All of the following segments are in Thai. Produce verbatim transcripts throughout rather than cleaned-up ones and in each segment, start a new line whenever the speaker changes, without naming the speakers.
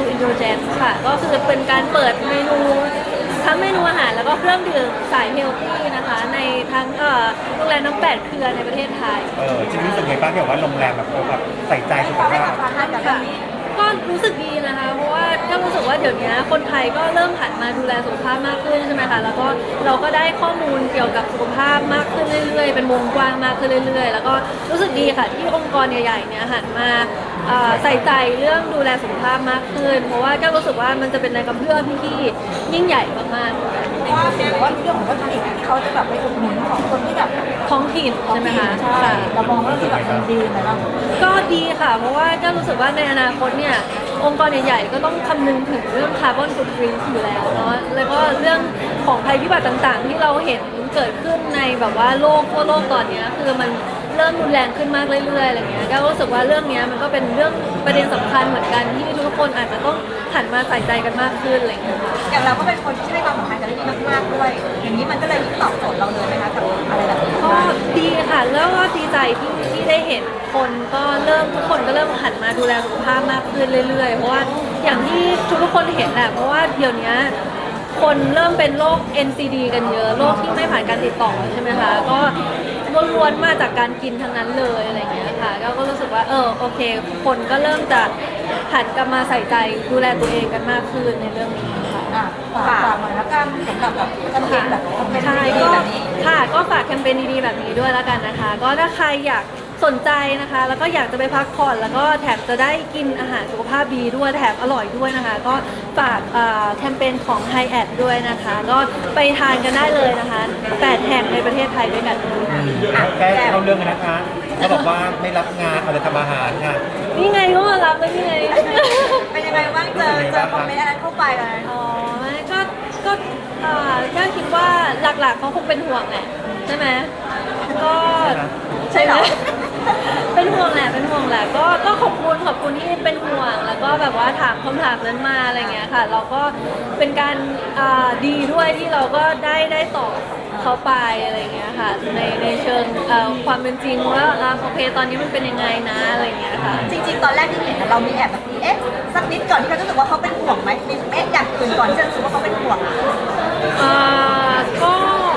True Indulgence ค่ะก็คือเป็นการเปิดเมนูทั้งเมนูอาหารแล้วก็เครื่องดื่มสายเฮลตี้นะคะในทั้งเอ่อโรงแรมน้ำแปดเครือในประเทศไทย
เออจริงรู้สึกไงบ้างที่แบบว่าโรงแรมแบบเออแบบใส่ใจสุขภาพ
ค่ะก็รู้สึกดีนะคะเพราะว่าก็รู้สึกว่าเดี๋ยวนี้คนไทยก็เริ่มหันมาดูแลสุขภาพมากขึ้นใช่ไหมคะแล้วก็เราก็ได้ข้อมูลเกี่ยวกับสุขภาพมากขึ้นเรื่อยๆเป็นวงกว้างมากขึ้นเรื่อยๆแล้วก็รู้สึกดีค่ะที่องค์กรใหญ่ๆเนี่ยหันมาใส่ใจเรื่องดูแลสุขภาพมากขึ้นเพราะว่าก็รู้สึกว่ามันจะเป็นแรงกระเพื่อมที่ยิ่งใหญ่มากๆ
ว่าเห็นว่าเรื่องของวัตถุดิบที่เขาจะแบบไปอุดหนุนของคนที่แบบ
ท้องถิ่นใช่ไหมคะ
ใช่เรามองว่าคือแบบมันดีไหมล่ะ
ก็ดีค่ะเพราะว่าก็รู้สึกว่าในอนาคตเนี่ยองค์กรใหญ่ๆก็ต้องคำนึงถึงเรื่องคาร์บอนฟุตพริ้นท์อยู่แล้วเนาะแล้วก็เรื่องของภัยพิบัติต่างๆที่เราเห็นเกิดขึ้นในแบบว่าโลกทั่วโลกตอนนี้คือมันเริ่มรุนแรงขึ้นมากเรื่อยๆอะไรเงี้ยก็รู้สึกว่าเรื่องนี้มันก็เป็นเรื่องประเด็นสำคัญเหมือนกันที่ทุกคนอาจจะต้องหันมาใส่ใจกันมากขึ้นอะไรเงี้ย
อย่างเราก็เป็นคนที่ให้ความสำคัญกับเรื่องนี้มากๆด้วยอย่างนี้มันก็เลยตอบโจทย์เราเลยไหมคะกับอะไรแบบนี้
ก็ดีค่ะแล้วก็ดีใจที่ที่ได้เห็นคนก็เริ่มทุกคนก็เริ่มหันมาดูแลสุขภาพมากขึ้นเรื่อยๆเพราะว่าอย่างที่ทุกคนเห็นแหละเพราะว่าเดี๋ยวนี้คนเริ่มเป็นโรค เอ็น ซี ดี กันเยอะโรคที่ไม่ผ่านการติดต่อใช่ไหมคะก็ล้วนๆมาจากการกินทั้งนั้นเลยอะไรอย่างเงี้ยค่ะก็รู้สึกว่าเออโอเคคนก็เริ่มจะหันกลับมาใส่ใจดูแลตัวเองกันมากขึ้นในเรื่องนี้ค่ะ
ฝากหน่อยแล้วกันสำหรับแบบแคมเปญแบบแคมเปญดีๆแบบนี้
ค่ะก็ฝากแคมเปญดีๆแบบนี้ด้วยแล้วกันนะคะก็ถ้าใครอยากสนใจนะคะแล้วก็อยากจะไปพักผ่อนแล้วก็แถมจะได้กินอาหารสุขภาพดีด้วยแถมอร่อยด้วยนะคะก็ฝากแคมเปญของ High Ad ด้วยนะคะก็ไปทานกันได้เลยนะคะแปดแห่งในประเทศไทยด้วยกัน
แค่เข้าเรื่องกันนะคะเขาบอกว่าไม่รับงานเอาแต่ทำอาหารค่ะ
นี่ไงก็มารับแล้วนี่ไง
เป็นยังไงบ้างเจอเจอคอมเมนต์อันนั้นเข้าไปเลย
อ๋อก็ก็ก็คิดว่าหลักๆเขาคงเป็นห่วงแหละใช่ไหมก็
ใช่เหรอ
เป็นห่วงแหละเป็นห่วงแหละก็ก็ขอบคุณขอบคุณที่เป็นห่วงแล้วก็แบบว่าถามคำถามนั้นมาอะไรเงี้ยค่ะเราก็เป็นการดีด้วยที่เราก็ได้ได้ตอบเขาไปอะไรเงี้ยค่ะในในเชิงความเป็นจริงว่าโอเคตอนนี้มันเป็นยังไงนะอะไรเงี้ยค่ะ
จริงๆตอนแรกที่เห็นเรามีแอบแบบเอ๊ะสักนิดก่อนที่เรารู้สึกว่าเขาเป็นห่วงไหมมีเอ๊ะอย่างอื่นก่อนที่จะรู้สึกว่าเขาเป็นห่วง
อ่าก็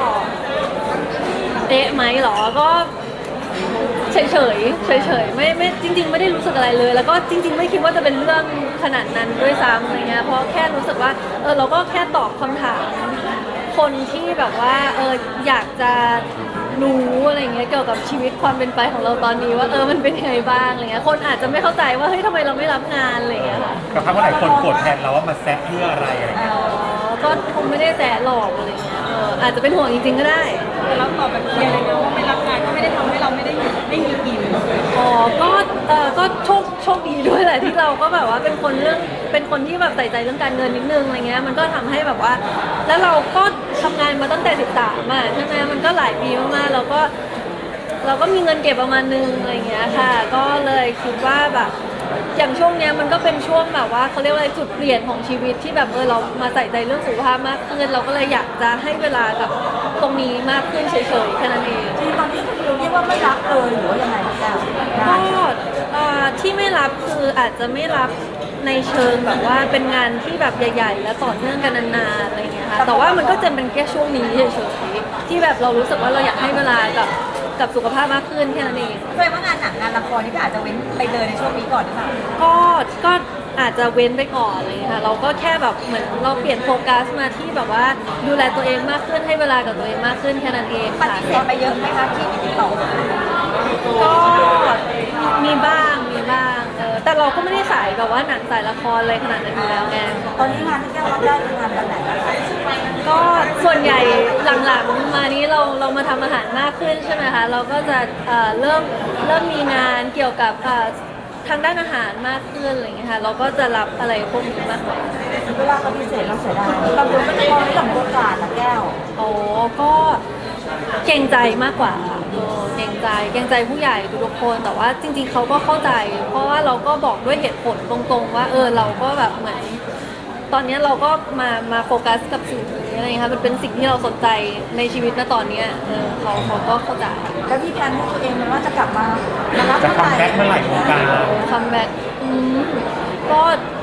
เอ๊ะไหมหรอก็เฉยเฉยเฉยเฉยไม่ไม่จริงๆไม่ได้รู้สึกอะไรเลยแล้วก็จริงๆไม่คิดว่าจะเป็นเรื่องขนาดนั้นด้วยซ้ำอะไรเงี้ยเพราะแค่รู้สึกว่าเออเราก็แค่ตอบคำถามคนที่แบบว่าเอออยากจะรู้อะไรเงี้ยเกี่ยวกับชีวิตความเป็นไปของเราตอนนี้ว่าเออมันเป็นยังไงบ้างอะไรเงี้ยคนอาจจะไม่เข้าใจว่าเฮ้ยทำไมเราไม่รับงานอะไรเงี้ยค่ะ
กับคำว่าหลายคนโกรธแทนเราว่ามาแซะเพื่ออะไรอะไรเงี้ย
อ๋อก็คงไม่ได้แสหลอกอะไรเงี้ยเอออาจจะเป็นห่วงจริงๆก็ได้
แต่เราตอบแบบเคลียร์เลยนะว่าไม่รับงานก็ไม่ได้ทำให้เราไม่ได้ไม่มีกิน
อ๋อก็เออก็โชคโชคดีด้วยแหละที่เราก็แบบว่าเป็นคนเรื่องเป็นคนที่แบบใส่ใจเรื่องการเงินนิดนึงอะไรเงี้ยมันก็ทำให้แบบว่าแล้วเราก็ทำงานมาตั้งแต่สิบสามอ่ะใช่ไหมมันก็หลายปีมากๆเราก็เราก็มีเงินเก็บประมาณนึงอะไรเงี้ยค่ะก็เลยคิดว่าแบบอย่างช่วงเนี้ยมันก็เป็นช่วงแบบว่าเขาเรียกว่าจุดเปลี่ยนของชีวิตที่แบบเออเรามาใส่ใจเรื่องสุขภาพมากขึ้นเราก็เลยอยากจะให้เวลากับตรงนี้มากขึ้นเฉยๆแค่นั้นเอง
ที่ตอนนี้คือเรียกว่าไม่รับเลยหรือว่ายังไงแก้ว
ก็ที่ไม่รับคืออาจจะไม่รับในเชิงแบบว่าเป็นงานที่แบบใหญ่ๆและต่อเนื่องกันนานๆอะไรเงี้ยค่ะแต่ว่ามันก็จะเป็นแค่ช่วงนี้เฉยๆที่แบบเรารู้สึกว่าเราอยากให้เวลากับกับสุขภาพมากขึ้นแค่นั้นเอง
เคยว่างานหนังงานละครนี่ก็อาจจะเว้นไปเลยในช่วงนี้ก่อนหรือเปล่า
ก็ก็อาจจะเว้นไปก่อนเลยค่ะเราก็แค่แบบเหมือนเราเปลี่ยนโฟกัสมาที่แบบว่าดูแลตัวเองมากขึ้นให้เวลากับตัวเองมากขึ้นแค่นั้นเอง
ปฏิเสธไปเยอะไหมคะที่มีติดต่อ
ก็มีบ้างมีบ้างเออแต่เราก็ไม่ได้สายแบบว่าหนังสายละครอะไรขนาดนั้นอยู่แล้วไง
ตอนนี้งานที่แก้วรับได้คืองานแบบไหน
ก็ส่วนใหญ่หลังๆมานี้เราเรามาทำอาหารมากขึ้นใช่ไหมคะเราก็จะเอ่อเริ่มเริ่มมีงานเกี่ยวกับทางด้านอาหารมากขึ้นอะไรอย่างเงี้ยค่ะเราก็จะรับอะไรพวกนี้มากกว่า
เวลาปฏิเสธเราเสียดายบางคนก็จะมองในหลังโอกาสนะแก้ว
โอ้ก็เกรงใจมากกว่าค่ะเกรงใจเกรงใจผู้ใหญ่ทุกคนแต่ว่าจริงๆเขาก็เข้าใจเพราะว่าเราก็บอกด้วยเหตุผลตรงๆว่าเออเราก็แบบเหมือนตอนนี้เราก็มามาโฟกัสกับสิ่งนี้อะไรเงี้ยค่ะมันเป็นสิ่งที่เราสนใจในชีวิตณตอนนี้เออเขาเขาก็เข้าใจ
แล้วพี่แพนให้ตัวเองมันว่าจะกลับมามารับ
จะคัมแบ็กเมื่อไหร่วงการ
คัมแบ็กก็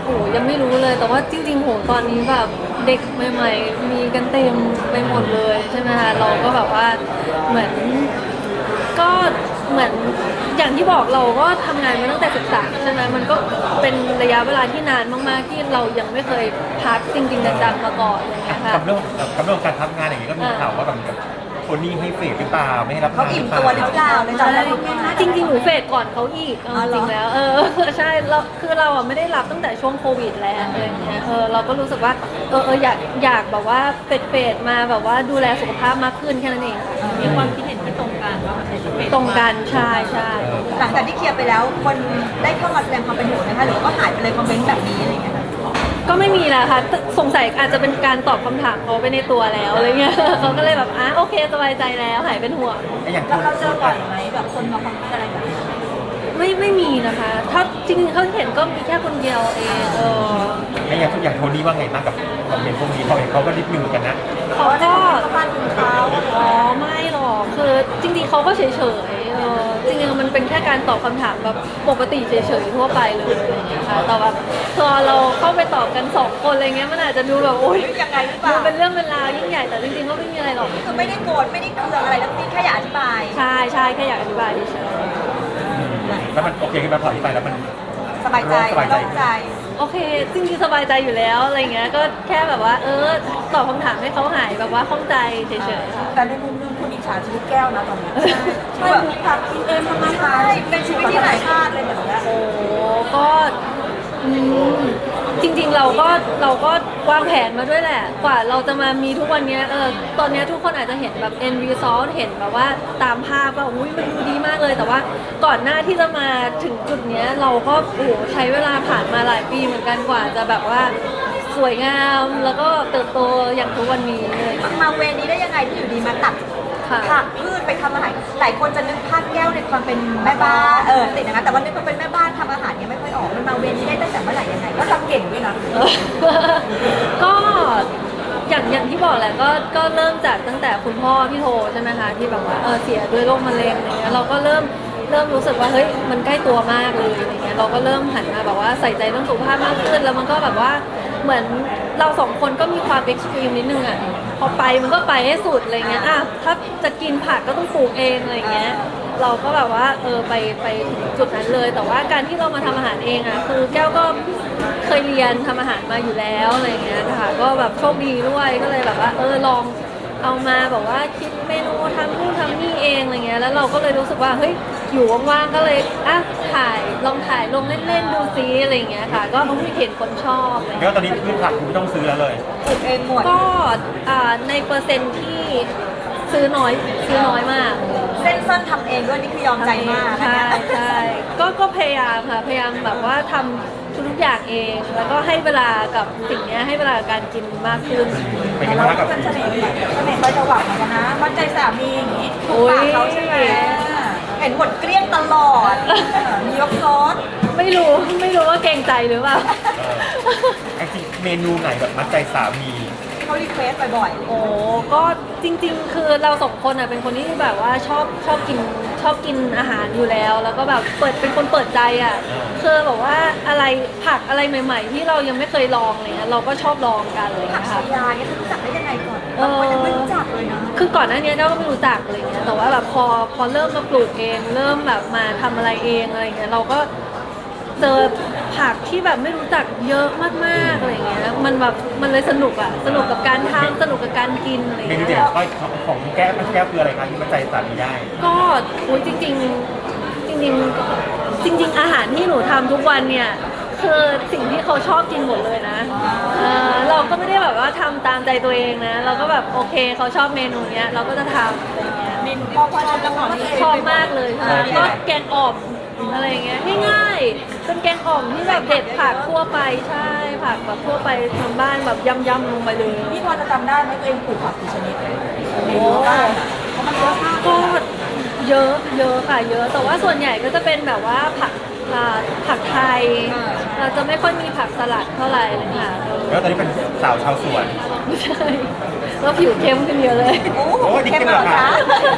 โอ้ยังไม่รู้เลยแต่ว่าจริงๆโหตอนนี้แบบเด็กใหม่ๆมีกันเต็มไปหมดเลยใช่ไหมคะเราก็แบบว่าเหมือนก็เหมือนอย่างที่บอกเราก็ทำงานมาตั้งแต่ศึกษาใช่ไหมมันก็เป็นระยะเวลาที่นานมากๆที่เรายังไม่เคยพักจริงๆจังๆมาก่อนอะไรอย่างเงี้ยค่ะ
กับเรื่องกับเรื่องการทำงานอย่างนี้ก็มีข่าวว่าแบบโทนี่ให้เฟดหรือเปล่าไม่ให้รับ
เขา
งาน
อิ่ม
หรือเป
ตัว
ล่า
หรือเปล่าเลยตอนแรก
จริงๆหนูเฟดก่อนเขาอีกเอา
อ๋อเหร
จ
อ
ริงๆแล้วเออ ใช่เราคือเราอ่ะไม่ได้รับตั้งแต่ช่วงโควิดแล้วอะไรอย่างเงี้ยเออเราก็รู้สึกว่าเออเอออยากอยากแบบว่าเฟดเฟดมาแบบว่าดูแลสุขภาพมากขึ้นแค่นั้นเองค่ะ
มีความคิดเห็นที่ตรงกันว่ามันเป็นเป็น
ตรงกันใช่ใช่
หลังจากที่เคลียร์ไปแล้วคนได้เข้ามาแสดงความเป็นห่วงนะคะหรือว่าหายไปเลยคอมเมนต์แบบนี้อะไรอย่างเงี้ยค่ะ
ก็ไม่มีแล้วค่ะสงสัยอาจจะเป็นการตอบคำถามเขาไปในตัวแล้วอะไรเงี้ย เขาก็เลยแบบอ่ะโอเคสบายใจแล้วหายเป็นห่วง
ไอ้อย่าง
เราเราเจอบ่อยไหมแบบคนมาคอมเมนต์อะไรแบบนี้
ไม่ไม่มีนะคะ ถ้าจริงๆเขาเห็นก็มีแค่คนเดียวเองเออ
ไอ้อย่างทุกอย่างโทนี่ว่าไงบ้างกับคอมเมนต์พวกนี้เขาเห็นเขาก็รีบมือกันนะ
เขาก็
บ้านคุณเขา
อ๋อไม่หรอกคือจริงๆเขาก็เฉยๆเออจริงๆมันเป็นแค่การตอบคำถามแบบปกติเฉยๆทั่วไปเลยอะไรอย่างเงี้ยค่ะแต่แบบพอเราเข้าไปตอบกันสองคนอะไรเงี้ยมันอาจจะดูแบบโอ๊ย
ยังไงหรือเปล่า
ดูเป็นเรื่องเป็นราวยิ่งใหญ่แต่จริงๆก็ไม่มีอะไรหรอก
คือไม่ได้โกรธไม่ได้เคืองอะไรทั้งสิ้นแค่อยากอธิบาย
ใช่ใช่แค่อยากอธิบายเฉย
แล้วมันโอเคขึ้นมาพอที่ไปแล้วมัน
สบายใจ
สบายใจ
โล่งใจ
ๆโอเคจริงๆสบายใจอยู่แล้วอะไรเงี้ยก็แค่แบบว่าเออตอบคำถามให้เขาหายแบบว่าข้องใจเฉยๆค่ะ
แต่ในมุมนึงคุณอิจฉาชีวิตแก้วนะตอนนี้ใช่แบบผักกินเองทำงานใช่เป็นชีวิตที่หลายชาติเลยแบบนี้
โอ้ก็อืมจริงๆเราก็เราก็วางแผนมาด้วยแหละ กว่าเราจะมามีทุกวันเนี้ยเออตอนเนี้ยทุกคนอาจจะเห็นแบบ end result เห็นแบบว่าตามภาพว่าอุ้ยมันดูดีมากเลย แต่ว่าก่อนหน้าที่จะมาถึงจุดเนี้ยเราก็โอ้โหใช้เวลาผ่านมาหลายปีเหมือนกันกว่าจะแบบว่าสวยงามแล้วก็เติบโตอย่างทุกวันนี้เลย
มาเวรนี้ได้ยังไงที่อยู่ดีมาตัด
ค่ะ
ผักพืชไปทำอาหารหลายคนจะนึกภาพแก้วในความเป็นแม่บ้านเออติดอย่างนั้นแต่ว่านึกว่าเป็นแม่บ้านทำอาหารเนี่ยไม่ค่อยออกมันมาเวรนี้ได้ตั้งแต่เมื่อไหร่ยังไงก็ทำเก่งด้วยนะ
เออก็อย่างอย่างที่บอกแหละก็ก็เริ่มจากตั้งแต่คุณพ่อพี่โทใช่ไหมคะที่แบบว่าเออเสียด้วยโรคมะเร็งอะไรเงี้ยเราก็เริ่มเริ่มรู้สึกว่าเฮ้ยมันใกล้ตัวมากเลยอะไรเงี้ยเราก็เริ่มหันมาแบบว่าใส่ใจเรื่องสุขภาพมากขึ้นแล้วมันก็แบบว่าเหมือนเราสองคนก็มีความเอ็กซ์ตรีมนิดนึงอ่ะพอไปมันก็ไปให้สุดอะไรเงี้ยอ่ะถ้าจะกินผักก็ต้องปลูกเองอะไรเงี้ย เราก็แบบว่าเออไปไปถึงจุดนั้นเลย แต่ว่าการที่เรามาทำอาหารเองอ่ะคือแก้วก็เคยเรียนทำอาหารมาอยู่แล้วอะไรเงี้ยนะคะก็แบบโชคดีด้วยก็เลยแบบว่าเออลองเอามาแบบว่าคิดเมนูทำนู่นทำนี่เองอะไรเงี้ยแล้วเราก็เลยรู้สึกว่าเฮ้ยอยู่ว่างๆก็เลยอ่ะถ่ายลองถ่ายลงเล่นๆดูซิอะไรเงี้ยค่ะก็เห็นคนชอบอะไร
แล้ว
เงี้ย
ตอนนี้พืชผักคุณไม่ต้องซื้อแล้วเลย
ปลูกเองหมด
ก็อ่าในเปอร์เซ็นต์ที่ซื้อน้อยซื้อน้อยมาก
เส้นส้นทำเองด้วยนี่คือยอมใจมาก
ใช่
นะ
ใช่ก็ก็พยายามค่ะพยายามแบบว่าทำทุกๆอย่างเอง แล้วก็ให้เวลากับสิ่งเนี้ยให้เวลากับการกินมากขึ้น
เป็นไงบ้างครับกับ
เสน่ห์เสน่ห์คอยจะหวังเหมือนกันนะมั่นใจสามีอย่างนี้ถูกปากเขาใช่ไหมเห็นหมดเกลี้ยงตลอดมียกซอส
ไม่รู้ไม่รู้ว่าเกรงใจหรือเปล่า
เออไอ้ที่เมนูไหนแบบมัดใจสามี
ที่เขารีเควสบ่อย
โอ้ก็จริง ๆ คือเราสองคนอ่ะเป็นคนที่แบบว่าชอบชอบกินชอบกินอาหารอยู่แล้ว แล้วก็แบบเปิดเป็นคนเปิดใจอ่ะคือแบบว่าอะไรผักอะไรใหม่ ๆ ที่เรายังไม่เคยลองอะไรเลยเราก็ชอบลองกันเลย
ๆผัก
นะ
ชี
คะ
ยาเนี่ยเขารู้จักได้ยังไงก่อน
เออ
บางคนยังไม่รู้จักเลยนะ
คือก่อนหน้านี้เราก็ไม่รู้จักอะไรเงี้ย แต่ว่าแบบพอพอเริ่มมาปลูกเอง เริ่มแบบมาทำอะไรเองอะไรเงี้ย เราก็เจอผักที่แบบไม่รู้จักเยอะมากๆอะไรเงี้ย มันแบบมันเลยสนุกอ่ะ สนุกกับการทำสนุกกับการกินอะไร
เมนู
เงี้
เด่น
ย
ของของแก้วแก้วคืออะไรครับที่มัดใจสามีได้
ก็อุ้ยจริง ๆ จริงๆ จริง ๆ อาหารที่หนูทำทุกวันเนี่ย คือสิ่งที่เขาชอบกินหมดเลยนะเออเราก็ไม่ได้แบบว่าทำตามใจตัวเองนะ เราก็แบบโอเคเขาชอบเมนูเนี้ยเราก็จะทำอะไรเงี้ย
เมนูพอพอจะละครที่
ชอบมากเลยค่ะก็แกงอ่อมอะไรอย่างเงี้ยง่ายๆเป็นแกงอ่อมที่แบบเด็ดผักทั่วไปใช่ผักแบบทั่วไปทางบ้านแบบยำๆลงไปเลย
พี่พอจะจำได้ไหมตัวเองปลูกผักกี่ชนิดในรั้วบ้านอะเพราะมันเยอะมาก
ก็เยอะเยอะค่ะเยอะแต่ว่าส่วนใหญ่ก็จะเป็นแบบว่าผักอ่าผักไทยเราจะไม่ค่อยมีผักสลัดเท่าไหร่เลยค่ะ
แล้วตอนนี้เป็นสาวชาวสวน
ไม่ใช่แล้วผิวเข้มขึ้นเยอะเลย
โอ้โห
โอ้ย
เข้ม
เข้ม
เหรอ
เหรอ
คะ
คะ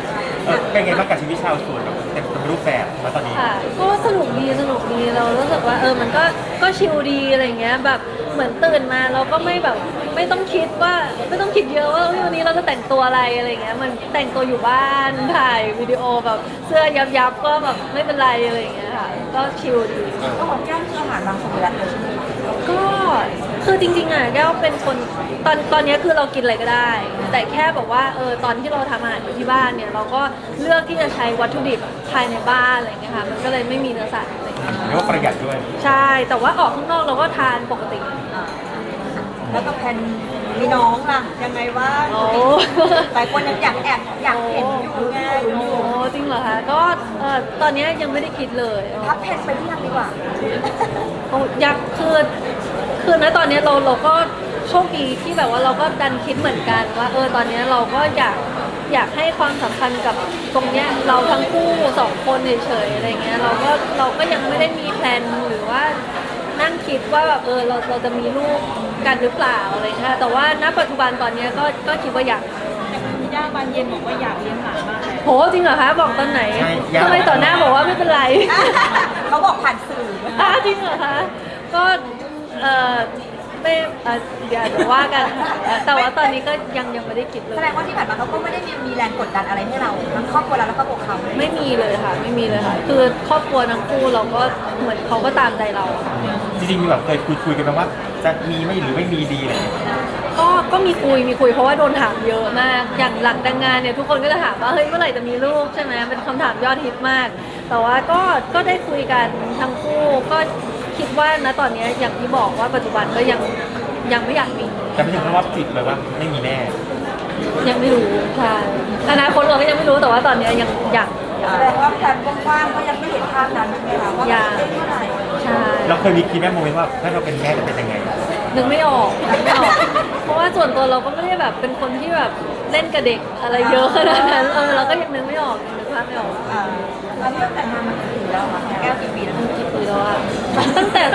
เออเป็นไงบ้างกับชีวิตชาวสวนแบบเต็มรูปแบบมาตอนนี้
ค่ะก็สนุกดีสนุกดีเรารู้สึกว่าเออมันก็ก็ชิลดีอะไรเงี้ยแบบเหมือนตื่นมาเราก็ไม่แบบไม่ต้องคิดว่าไม่ต้องคิดเยอะว่าเฮ้ยวันนี้เราจะแต่งตัวอะไรอะไรเงี้ยมันแต่งตัวอยู่บ้านถ่ายวิดีโอแบบเสื้อยับยับๆก็แบบไม่เป็นไรอะไรเงี้ยค่ะก็ชิลดี
ก็ของแก้มคืออาหารบางสวิรัติเลยใช่ไหม
ก็คือจริงๆอ่ะแก้วเป็นคนตอนตอนนี้คือเรากินอะไรก็ได้ แต่แค่แบบว่าเออตอนที่เราทำอาหารอยู่ที่บ้านเนี่ยเราก็เลือกที่จะใช้วัตถุดิบภายในบ้านอะไรเงี้ยค่ะมันก็เลยไม่มีเนื้อสัตว์อะไรเงี้ย
เรียกว่าประหยัดด้วย
ใช่แต่ว่าออกข้างนอกเราก็ทานปกติ
แล้วก็แพนมีน้องล่ะยังไงว่าง
โอ้
หลายคนยังอยากแอบอยากเห็นอยู่ไง
โอ้จริงเหรอคะก็เออตอนนี้ยังไม่ได้คิดเลย
พับเพนไปที่ยังดีกว่า
โอ้อยากคือคือณตอนนี้เราเราก็โชคดีที่แบบว่าเราก็ดันคิดเหมือนกันว่าเออตอนนี้เราก็อยากอยากให้ความสำคัญกับตรงเนี้ยเราทั้งคู่สองคนเฉยๆอะไรเงี้ยเราก็เราก็ยังไม่ได้มีแพลนหรือว่านั่งคิดว่าแบบเออเราเราจะมีลูกกันหรือเปล่าอะไรเงี้ยแต่ว่าณปัจจุบันตอนเนี้ยก็ก็คิดว่าอยาก
มีย่าบานเย็นบอกว่าอยากเลี้ยงหลานมากเลย
โหจริงเหรอคะบอกตอนไหน
ใช่ยาว
ทำไมต่อหน้าบอกว่าไม่เป็นไร
เขาบอกผ่านสื่อ
อ้าจริงเหรอคะก็เออไม่เอ่อเดี๋ยวเดี๋ยวว่ากันค่ะแต่ว่าตอนนี้ก็ยังยังไม่ได้คิดเล
แส
ย
ดงว่าที่ผ่านมาเขาก็ไม่ได้มีมีแรงกดดันอะไรให้เราทั้งครอบครัวเราแล้วก็ตัวเขา
ไม่มีเลยค่ะ ไม่มีเลยค่ะ คือครอบครัวทั้งคู่เราก็เหมือนเขาก็ตามใจเราค่ะ
จริงๆมีแบบเคยคุยคุยกันไหมว่าจะมีไม่หรือไม่มีดีอะไรอย่างเงี้ย
ก็ก็มีคุยมีคุยเพราะว่าโดนถามเยอะมาก อย่างหลังแต่งงานเนี่ยทุกคนก็จะถามว่าเฮ้ยเมื่อไหร่จะมีลูกใช่ไหมเป็นคำถามยอดฮิตมาก แต่ว่าก็ก็ได้คุยกันทั้งคู่ก็คิดว่าณตอนนี้อย่างที่บอกว่าปัจจุบันก็ยังยังไม่อยากมี
จะไม่ถึงขั้นว่าจิตเลยว่าไม่มีแน่
ยังไม่รู้ใช่อนาคตเราก็ยังไม่รู้แต่ว่าตอนนี้ยังยัง
แสดงว่าแพลนกว้างๆก็ยังไม่เห็นภาพนั้นใช่ไหมคะว่าจะเป็นเท่าไหร่
ใช่
เราเคยมีคิดแม่โมเมนต์ว่าถ้าเราเป็นแม่จะเป็นยังไง
นึกไม่ออกนึกไม่ออก เพราะว่าส่วนตัวเราก็ไม่ได้แบบเป็นคนที่แบบเล่นกับเด็กอะไรเยอะขนาดนั้นเออเราก็ยังนึกไม่ออกยังนึกภาพไม่ออก
อ่าแล้วเรื่องแต่งงานมากี่ปีแล้วคะแก้วกี่ปีแล้ว
กี่ปีแล้วอะตั้งแต่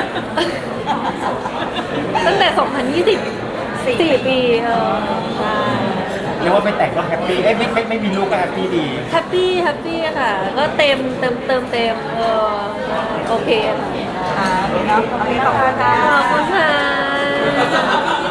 ตั้งแต่สองพันยี่สิบสี่ปีเออใช่
เรียกว่าไม่แต่งก็แฮปปี้ เอ้ยไม่ไม่ไม่มีลูกก็แฮปปี้ดี
แฮปปี้แฮปปี้ค่ะ ก็เต็มเติมเติมเต็มเออใช่โอเคค่ะ
อ่าเนาะโอเคขอบคุณค่ะ
ขอบคุณค่ะ